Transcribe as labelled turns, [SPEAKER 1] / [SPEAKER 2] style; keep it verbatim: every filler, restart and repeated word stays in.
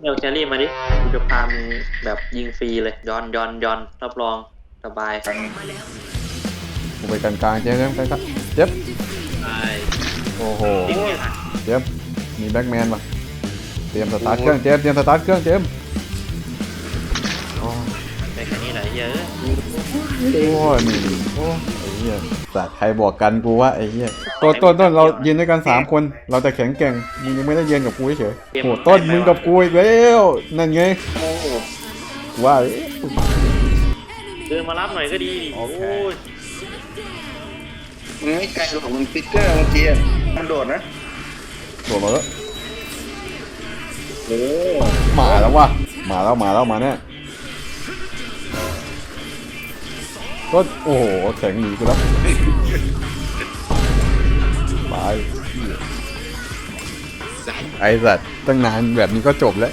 [SPEAKER 1] เนลแครี่มาดิกูจะพามึงแบบยิงฟรีเลยย้อนย้อนย้อนรับรองสบาย
[SPEAKER 2] กูไปกลางกลางๆเจ๊เจ๊ไปครับเจ็บ
[SPEAKER 1] ใช่
[SPEAKER 2] โอ้โห
[SPEAKER 1] จริงเนี่ยค่ะ
[SPEAKER 2] เจ็บมีแบ็กแมนป่ะเตรียมสตาร์ทเครื่องเจมส์เตรียมสตาร์ทเครื่องเจมส์โอ้
[SPEAKER 1] ไปแค่นี้ไหนเยอะ
[SPEAKER 2] โอ้ยนี่โอ้ไอ้เหี้ยสัตว์ใครบอกกันกูว่าไอ้เหี้ยต้นต้นต้นเรายืนด้วยกันสามคนเราจะแข็งแกร่งมึงยังไม่ได้ยืนกับกูเฉยโอ้ต้นมึงกับกูอีกแล้วนั่นไง
[SPEAKER 1] โอ้โห
[SPEAKER 2] ว่า
[SPEAKER 1] เดินมารับหน่อยก็ดีดิ
[SPEAKER 2] โอ
[SPEAKER 1] โอ้
[SPEAKER 2] เค
[SPEAKER 1] ย
[SPEAKER 3] มึงไม่ไกลหรอกมึงฟิกเกอร์เมื่อกี้มันโดดนะ
[SPEAKER 2] โดดมาแล้ว
[SPEAKER 3] โอ้
[SPEAKER 2] มาแล้ววะมาแล้วมาแล้วมาแน่ต้นโอ้โหแข็งหนีกูแล้วไปไอ้สัตว์ตั้งนานแบบนี้ก็จบแล้ว